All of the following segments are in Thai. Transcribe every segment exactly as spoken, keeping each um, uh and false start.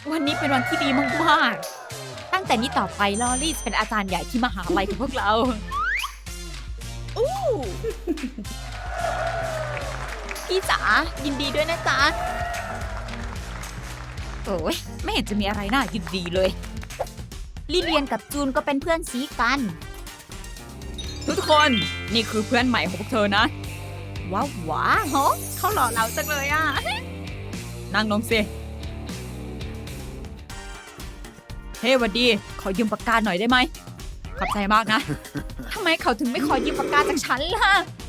วันนี้เป็นวันที่ดีมากๆตั้งแต่นี้ต่อไปลอรี่จะเป็นอาจารย์ใหญ่ที่มหาลัยของพวกเราอู้พี่จ๋ายินดีด้วยนะจ๊ะโอ้ยไม่เห็นจะมีอะไรน่ายินดีเลยลิเลียนกับจูนก็เป็นเพื่อนซีกัน ทุกคนนี่คือเพื่อนใหม่ของพวกเธอนะว้าวว้าโหเขาหล่อเราจังเลยอ่ะ นั่งลงสิเฮ้ วันดีขอยืมปากกาหน่อยได้ไหมขอบใจมากนะ ทำไมเขาถึงไม่ขอยืมปากกาจากฉันล่ะ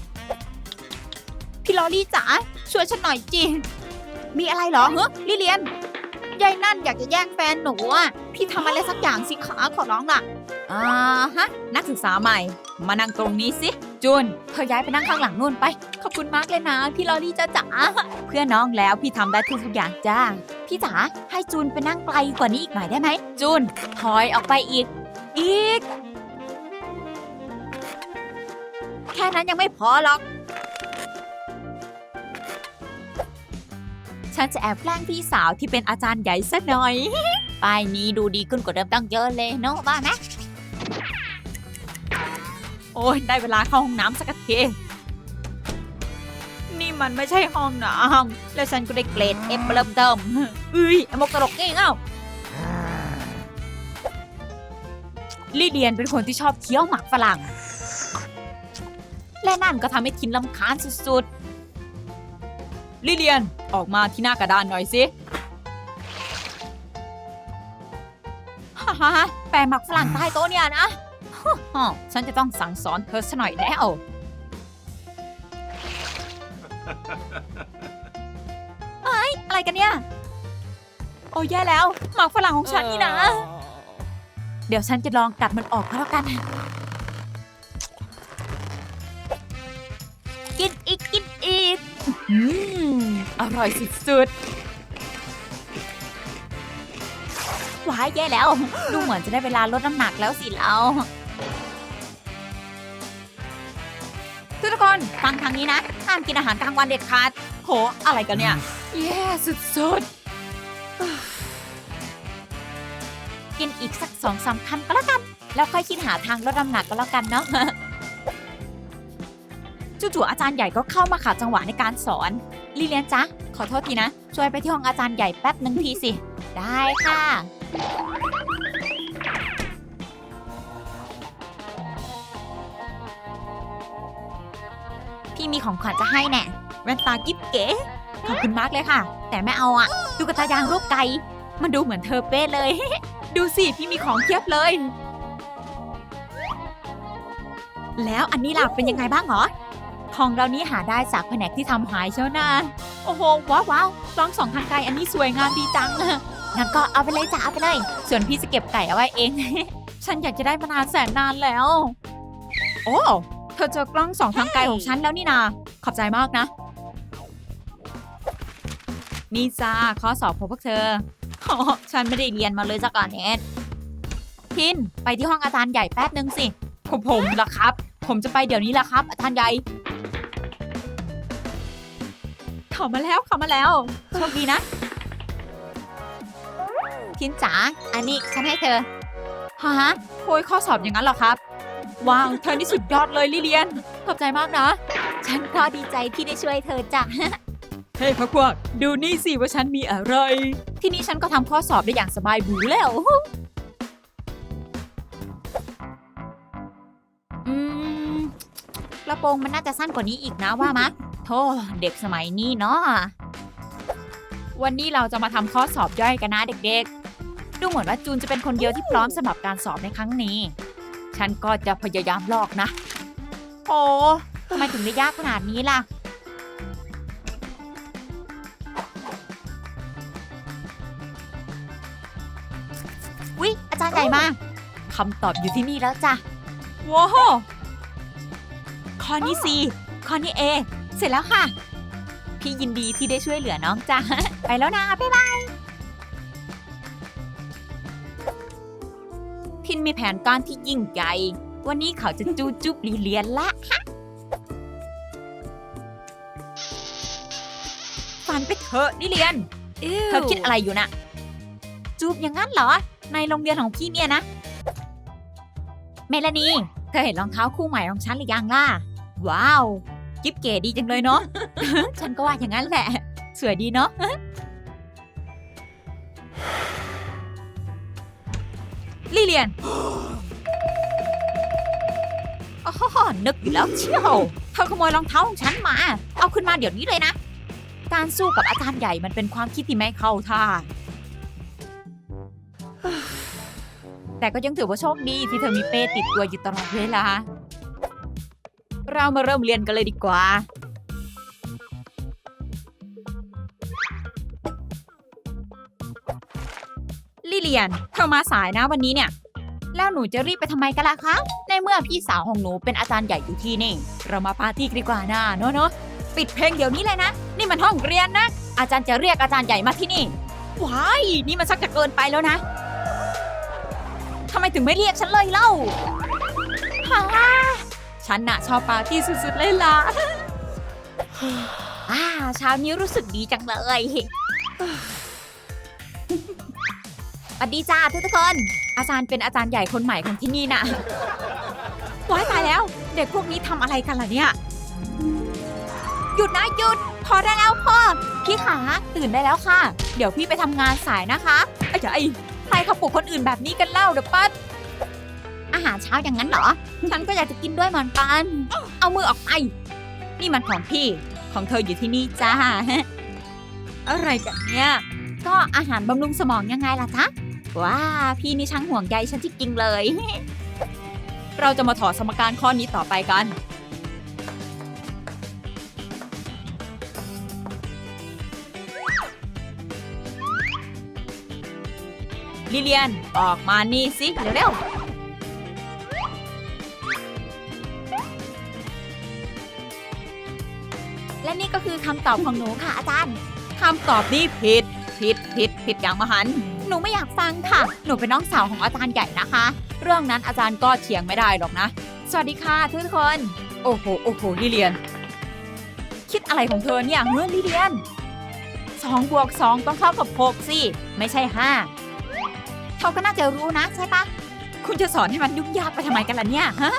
พี่ลอรี่จ๋าช่วยฉันหน่อยจิมีอะไรเหรอเฮ้ลิเลียนยายนั่นอยากจะแย่งแฟนหนูอ่ะพี่ทำอะไรสักอย่างสิขาขอร้องล่ะอ่าฮะนักศึกษาใหม่มานั่งตรงนี้สิจูนเธอย้ายไปนั่งข้างหลังนู่นไปขอบคุณมากเลยนะพี่ลอรี่จ้าจ๋าเพื่อนน้องแล้วพี่ทำได้ทุกอย่างจ้าพี่จ๋าให้จูนไปนั่งไกลกว่านี้อีกหน่อยได้ไหมจูนถอยออกไปอีกอีกแค่นั้นยังไม่พอหรอกฉันจะแอบแกล้งพี่สาวที่เป็นอาจารย์ใหญ่ซะหน่อยป้ายนี้ดูดีขึ้นกว่าเดิมตั้งเยอะเลยเนาะว่าไหมโอ้ยได้เวลาเข้าห้องน้ำสักทีนี่มันไม่ใช่ห้องน้ำแล้วฉันก็ได้เกรดเอฟเริ่มเติมเอ้ยไอ้มกตลกนี่เอ้าลิเดียนเป็นคนที่ชอบเคี้ยวหมากฝรั่งและนั่นก็ทำให้ทินรำคาญสุดๆลิเดียนออกมาที่หน้ากระดานหน่อยสิฮ่าฮ่าแปะหมักฝรั่งใต้โต๊ะเนี่ยนะฮ่าฉันจะต้องสั่งสอนเธอซะหน่อยแล้วเฮ้ยอะไรกันเนี่ยโอ้แย่แล้วหมักฝรั่งของฉันนี่นะเดี๋ยวฉันจะลองกัดมันออกก็แล้วกันกินอีกกินอีกอืมอร่อยสุดๆว้ายแย่แล้วดูเหมือนจะได้เวลาลดน้ำหนักแล้วสิเราทุกคนฟังทางนี้นะห้ามกินอาหารกลางวันเด็ดขาดโหอะไรกันเนี่ยแย่สุดๆกินอีกสักสองสามคำก็แล้วกันแล้วค่อยคิดหาทางลดน้ำหนักก็แล้วกันเนาะจู่ๆอาจารย์ใหญ่ก็เข้ามาขัดจังหวะในการสอนลิเลียนจ๊ะขอโทษทีนะช่วยไปที่ห้องอาจารย์ใหญ่แป๊บนึงทีสิได้ค่ะพี่มีของขวัญจะให้แน่แว่นตากิ๊บเก๋ขอบคุณมากเลยค่ะแต่ไม่เอาอะดูกระตายางรูปไก่มันดูเหมือนเธอเป๊ะเลย ดูสิพี่มีของเทียบเลยแล้วอันนี้ล่ะเป็นยังไงบ้างหรอของเรานี้หาได้จากแผนกที่ทำหายเชียวนะโอ้โหว้าวว้าวกล้องสองทางไกลอันนี้สวยงามดีจังงั้นก็เอาไปเลยจ้าเอาไปเลยส่วนพี่จะเก็บไก่เอาไว้เอง ฉันอยากจะได้มานานแสนนานแล้วโอ้เธอเจอกล้องสองทางไกลของฉันแล้วนี่นาขอบใจมากนะนี่จ้าข้อสอบของพวกเธออ๋อฉันไม่ได้เรียนมาเลยสักอันเน็ตพินไปที่ห้องอาจารย์ใหญ่แป๊บนึงสิผมผมล่ะครับผมจะไปเดี๋ยวนี้ล่ะครับอาจารย์ใหญ่เข้ามาแล้วเข้ามาแล้วโชคดีนะพินจ๋าอันนี้ฉันให้เธอฮะโอยข้อสอบอย่างนั้นเหรอครับว้าวเธอนี่สุดยอดเลยลิเลียนขอบใจมากนะฉันก็ดีใจที่ได้ช่วยเธอจ้ะเฮ้ยพักพวกดูนี่สิว่าฉันมีอะไรที่นี่ฉันก็ทำข้อสอบได้อย่างสบายบูแล้วอืมกระโปรงมันน่าจะสั้นกว่านี้อีกนะว่ามะโธ่เด็กสมัยนี้เนาะวันนี้เราจะมาทำข้อสอบย่อยกันนะเด็กๆดูเหมือนว่าจูนจะเป็นคนเดียวที่พร้อมสำหรับการสอบในครั้งนี้ฉันก็จะพยายามลอกนะโอ้ทำไมถึงได้ยากขนาดนี้ล่ะวิอาจารย์ใหญ่มาคำตอบอยู่ที่นี่แล้วจ้ะว้าวข้อนี้ซีข้อนี้เอเสร็จแล้วค่ะพี่ยินดีที่ได้ช่วยเหลือน้องจ้ะไปแล้วนะบ๊ายบายพินมีแผนการที่ยิ่งใหญ่วันนี้เขาจะจูจุบลีเลียนละฝันไปเถอะลิเลียนเธอคิดอะไรอยู่น่ะจูบอย่างนั้นเหรอในโรงเรียนของพี่เนี่ยนะเมลานีเธอเห็นรองเท้าคู่ใหม่ของฉันหรือยังล่ะว้าวกิ๊บเก๋ดีจังเลยเนาะ ฉันก็ว่าอย่างนั้นแหละสวยดีเนาะ ลิเลียน อ๋อนึกอยู่แล้วเชียวเธอขโมยรองเท้าของฉันมาเอาขึ้นมาเดี๋ยวนี้เลยนะการสู้กับอาจารย์ใหญ่มันเป็นความคิดที่ไม่เข้าท่าแต่ก็ยังถือว่าโชคดีที่เธอมีเป้ติดตัวอยู่ตลอดเวลาเรามาเริ่มเรียนกันเลยดีกว่าลิเลียนเธอมาสายนะวันนี้เนี่ยแล้วหนูจะรีบไปทำไมกันล่ะคะในเมื่อพี่สาวของหนูเป็นอาจารย์ใหญ่อยู่ที่นี่เรามาปาร์ตี้กันดีกว่านะเนาะเนาะปิดเพลงเดี๋ยวนี้เลยนะนี่มันห้องเรียนนะอาจารย์จะเรียกอาจารย์ใหญ่มาที่นี่ว้ายนี่มันชักจะเกินไปแล้วนะทำไมถึงไม่เรียกฉันเลยเล่าฮ่าฉันน่ะชอบปาร์ตี้สุดๆเลยล่ะอ่าเช้านี้รู้สึกดีจังเลยสวัสดีจ้าทุกคนอาจารย์เป็นอาจารย์ใหญ่คนใหม่ของที่นี่นะว้ายตายแล้วเด็กพวกนี้ทำอะไรกันล่ะเนี่ยหยุดนะหยุดพอได้แล้วพ่อพี่ขาตื่นได้แล้วค่ะเดี๋ยวพี่ไปทำงานสายนะคะไอ้ไอ้ใครเขาปลุกคนอื่นแบบนี้กันเล่าเดี๋ยวปั๊ดอาหารเช้าอย่างนั้นเหรอฉันก็อยากจะกินด้วยเหมือนกันเอามือออกไปนี่มันของพี่ของเธออยู่ที่นี่จ้าอะไรกันเนี่ยก็อาหารบำรุงสมองยังไงล่ะจ๊ะว้าพี่นี่ช่างห่วงใยฉันจริงๆเลยเราจะมาถอดสมการข้อนี้ต่อไปกันลิเลียนออกมานี่สิเร็วๆและนี่ก็คือคำตอบของหนูค่ะอาจารย์คำตอบนี้ผิดผิดผิดผิดอย่างมหันต์หนูไม่อยากฟังค่ะหนูเป็นน้องสาวของอาจารย์ใหญ่นะคะเรื่องนั้นอาจารย์ก็เถียงไม่ได้หรอกนะสวัสดีค่ะทุกคนโอ้โหโอ้โหลิเลียนคิดอะไรของเธอเนี่ยเฮ้ยลิเลียนสองบวกสองต้องเท่ากับหกสิไม่ใช่ห้าเขาก็น่าจะรู้นะใช่ปะคุณจะสอนให้มันยุ่งยากไปทำไมกันล่ะเนี่ยฮะ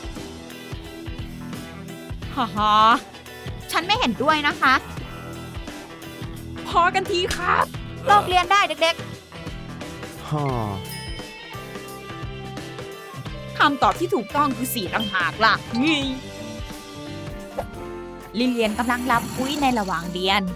ฮ่าฮ่าฉันไม่เห็นด้วยนะคะพอกันทีครับเลิกเรียนได้เด็กๆฮ่าคำตอบที่ถูกต้องคือสี่ต่างหากล่ะนี่ลิเลียนกำลังรับคุยในระหว่างเรียน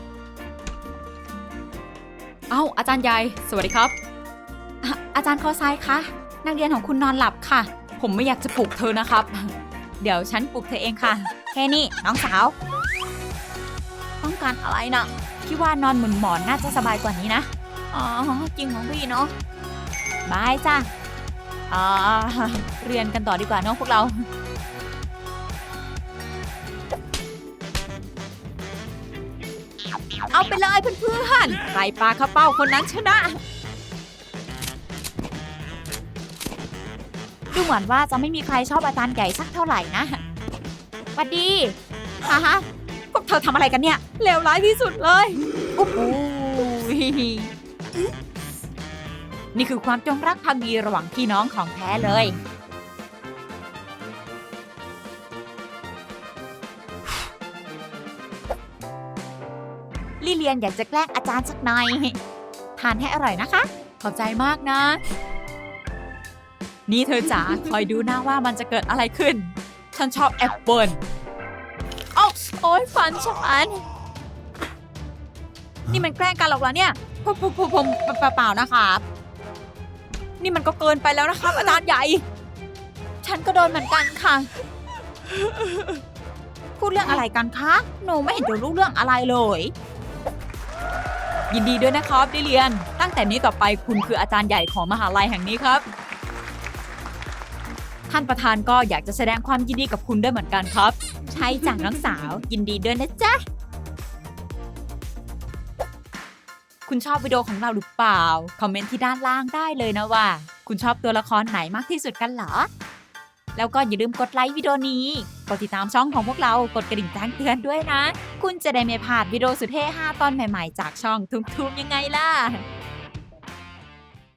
เอ้าอาจารย์ใหญ่สวัสดีครับอ่ะอาจารย์คอไซคะนักเรียนของคุณนอนหลับค่ะผมไม่อยากจะปลุกเธอนะครับเดี๋ยวฉันปลุกเธอเองค่ะแค่นี้น้องสาวต้องการอะไรนะพี่ว่านอนหมุนหมอนน่าจะสบายกว่านี้นะอ๋อจริงของพี่เนาะบายจ้ะอ่าเรียนกันต่อดีกว่าเนาะพวกเราเอาไปเลยเพื่อนๆใครปาเข้าเป้าคนนั้นชนะดูเหมือนว่าจะไม่มีใครชอบอาจารย์ใหญ่สักเท่าไหร่นะสวัสดีฮ่าฮะพวกเธอทำอะไรกันเนี่ยเลวร้ายที่สุดเลยโอ้โหนี่คือความจงรักภักดีระหว่างพี่น้องของแท้เลยลิเลียนอยากจะแกล้งอาจารย์สักหน่อยทานให้อร่อยนะคะขอบใจมากนะนี่เธอจ๋าคอยดูนะว่ามันจะเกิดอะไรขึ้นฉันชอบแอปเปิลโอ๊ยโอ๊ยฟันฉันนี่มันแกล้งกันหรอกเหรอเนี่ยผมผมผมผมเปล่าๆนะครับนี่มันก็เกินไปแล้วนะครับอาจารย์ใหญ่ฉันก็โดนเหมือนกันค่ะพูดเรื่องอะไรกันคะหนูไม่เห็นจะรู้เรื่องอะไรเลยยินดีด้วยนะครับลิเลียนตั้งแต่นี้ต่อไปคุณคืออาจารย์ใหญ่ของมหาลัยแห่งนี้ครับท่านประธานก็อยากจะแสดงความยินดีกับคุณด้วยเหมือนกันครับใช่จ้ะน้องสาวยินดีด้วยนะจ๊ะคุณชอบวิดีโอของเราหรือเปล่าคอมเมนต์ที่ด้านล่างได้เลยนะว่าคุณชอบตัวละครไหนมากที่สุดกันเหรอแล้วก็อย่าลืมกดไลค์วิดีโอนี้กดติดตามช่องของพวกเรากดกระดิ่งแจ้งเตือนด้วยนะคุณจะได้ไม่พลาดวิดีโอสุดเท่ห้าตอนใหม่ๆจากช่องทุกๆยังไงล่ะ